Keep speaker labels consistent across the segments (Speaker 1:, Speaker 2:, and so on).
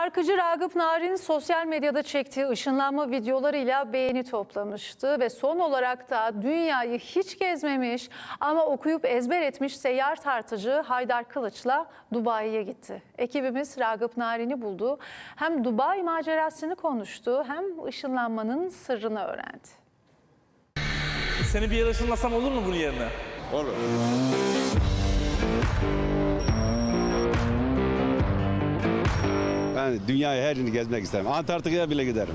Speaker 1: Şarkıcı Ragıp Narin sosyal medyada çektiği ışınlanma videolarıyla beğeni toplamıştı ve son olarak da dünyayı hiç gezmemiş ama okuyup ezber etmiş seyyar tartıcı Haydar Kılıç'la Dubai'ye gitti. Ekibimiz Ragıp Narin'i buldu. Hem Dubai macerasını konuştu hem ışınlanmanın sırrını öğrendi.
Speaker 2: Seni bir yere ışınlasam olur mu bunun yerine?
Speaker 3: Olur. Ben dünyayı her yerini gezmek isterim. Antarktika'ya bile giderim.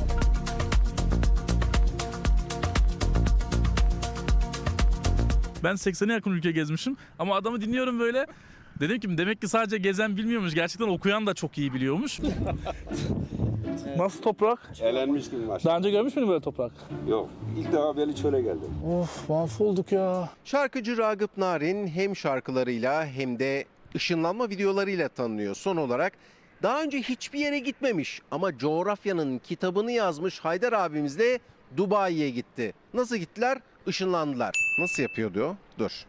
Speaker 2: Ben 80'e yakın ülke gezmişim ama adamı dinliyorum böyle. Dedim ki demek ki sadece gezen bilmiyormuş. Gerçekten okuyan da çok iyi biliyormuş. Nasıl toprak?
Speaker 3: Elenmiş gibi maç.
Speaker 2: Daha önce görmüş müydün böyle toprak?
Speaker 3: Yok. İlk defa böyle çöle geldim.
Speaker 2: Of, mahvolduk ya.
Speaker 4: Şarkıcı Ragıp Narin hem şarkılarıyla hem de ışınlanma videolarıyla tanınıyor. Son olarak daha önce hiçbir yere gitmemiş ama coğrafyanın kitabını yazmış Haydar abimiz de Dubai'ye gitti. Nasıl gittiler? Işınlandılar. Nasıl yapıyordu o? Dur.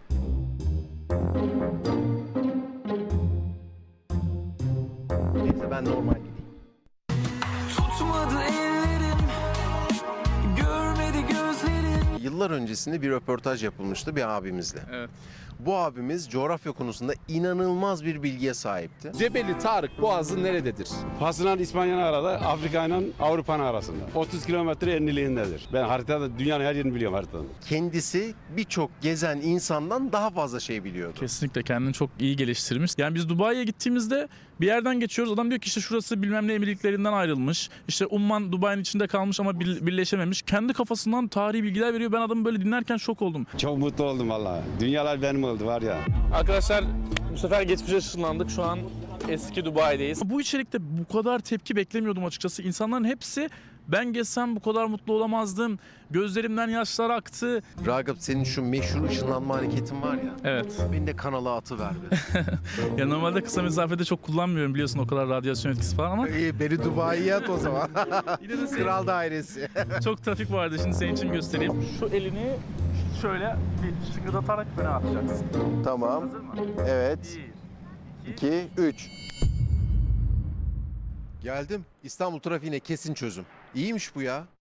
Speaker 4: Neyse ben normal gideyim.
Speaker 5: Tutmadı ellerim, görmedi gözlerim.
Speaker 4: Yıllar öncesinde bir röportaj yapılmıştı bir abimizle.
Speaker 2: Evet.
Speaker 4: Bu abimiz coğrafya konusunda inanılmaz bir bilgiye sahipti.
Speaker 6: Cebeli Tarık Boğazı nerededir?
Speaker 3: Fas'la İspanya'nın arada, Afrika ile Avrupa'nın arasında. 30 kilometre enliliğindedir. Ben haritada dünyanın her yerini biliyorum haritadan.
Speaker 4: Kendisi birçok gezen insandan daha fazla şey biliyordu.
Speaker 2: Kesinlikle kendini çok iyi geliştirmiş. Yani biz Dubai'ye gittiğimizde bir yerden geçiyoruz. Adam diyor ki işte şurası bilmem ne emirliklerinden ayrılmış. İşte Umman Dubai'nin içinde kalmış ama birleşememiş. Kendi kafasından tarihi bilgiler veriyor. Ben adamı böyle dinlerken şok oldum.
Speaker 3: Çok mutlu oldum vallahi. Dünyalar benim oldu var ya.
Speaker 2: Arkadaşlar bu sefer geçmişe ışınlandık. Şu an eski Dubai'deyiz. Bu içerikte bu kadar tepki beklemiyordum açıkçası. İnsanların hepsi ben gezsem bu kadar mutlu olamazdım. Gözlerimden yaşlar aktı.
Speaker 4: Ragıp senin şu meşhur ışınlanma hareketin var ya.
Speaker 2: Evet.
Speaker 4: Beni de kanala atıver be.
Speaker 2: Ya normalde kısa mesafede çok kullanmıyorum biliyorsun o kadar radyasyon etkisi falan ama
Speaker 4: İyi beni Dubai'ye at o zaman.
Speaker 2: yine de
Speaker 4: Kral dairesi.
Speaker 2: çok trafik vardı. Şimdi senin için göstereyim. Şu elini şöyle bir şıngırdatarak öne atacaksın.
Speaker 4: Tamam.
Speaker 2: Hazır mı?
Speaker 4: Evet.
Speaker 2: 1,
Speaker 4: 2, 3. Geldim. İstanbul trafiğine kesin çözüm. İyiymiş bu ya.